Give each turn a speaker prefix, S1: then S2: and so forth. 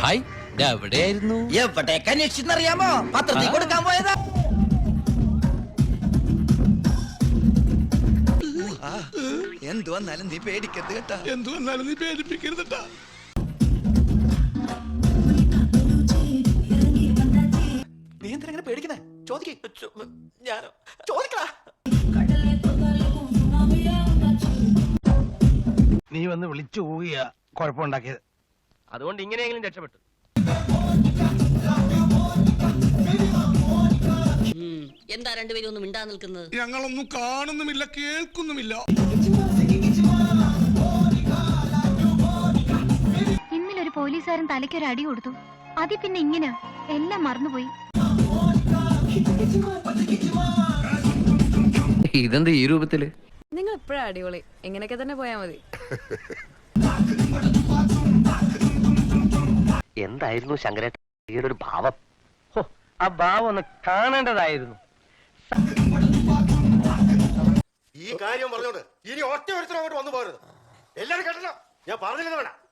S1: Hi എവിടെയായിരുന്നു?
S2: എവിടേക്ക് അന്വേഷിച്ചെന്നറിയാമോ? പത്രത്തിൽ കൊടുക്കാൻ പോയതാ.
S3: എന്തു വന്നാലും നീ പേടിക്കരുത് കേട്ടാ. എന്തു വന്നാലും നീ പേടിപ്പിക്കരുത് കേട്ടാ. നീ എന്തിനാ പേടിക്കണേ? ചോദിക്കേ. ഞാനോ ചോദിക്കടാ.
S4: നീ വന്ന് വിളിച്ചു പോവുകയാ കുഴപ്പമുണ്ടാക്കിയത്.
S5: അതുകൊണ്ട് ഇങ്ങനെയെങ്കിലും രക്ഷപ്പെട്ടു.
S6: എന്താ രണ്ടുപേരും ഒന്നും മിണ്ടാ നിൽക്കുന്നത്?
S3: ഞങ്ങളൊന്നും കാണുന്നുമില്ല, കേൾക്കുന്നുമില്ല.
S7: ഇന്നലെ ഒരു പോലീസുകാരൻ തലയ്ക്കൊരു അടി കൊടുത്തു. അതി പിന്നെ ഇങ്ങനെ എല്ലാം മറന്നുപോയി.
S1: ഇതെന്താ ഈ രൂപത്തില്?
S8: നിങ്ങൾ എപ്പോഴാ അടിപൊളി. എങ്ങനെയൊക്കെ തന്നെ പോയാ മതി.
S5: എന്തായിരുന്നു ശങ്കരേട്ടൻ ഒരു ഭാവം? ആ ഭാവം ഒന്ന് കാണേണ്ടതായിരുന്നു.
S9: ഈ കാര്യം പറഞ്ഞോണ്ട് ഇനി ഒറ്റ ഒരുത്തരും അങ്ങോട്ട് വന്നു പോകരുത്. എല്ലാരും കേട്ടല്ലോ, ഞാൻ പറഞ്ഞില്ലെന്ന് വേണം.